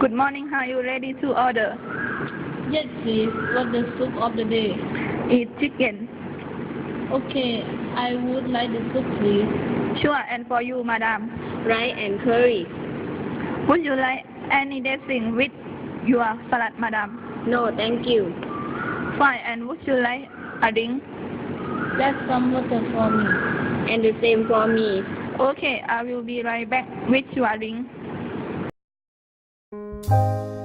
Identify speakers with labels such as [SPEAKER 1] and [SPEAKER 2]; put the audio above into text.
[SPEAKER 1] Good morning. Are you ready to order?
[SPEAKER 2] Yes, please. What's the soup of the day?
[SPEAKER 1] It's chicken.
[SPEAKER 2] Okay, I would like the soup, please.
[SPEAKER 1] Sure, and for you, madam.
[SPEAKER 3] Rice and curry.
[SPEAKER 1] Would you like any dressing with your salad, madam?
[SPEAKER 3] No, thank you.
[SPEAKER 1] Fine, and would you like a drink?
[SPEAKER 2] That's some water for me.
[SPEAKER 3] And the same for me.
[SPEAKER 1] Okay, I will be right back with your drink.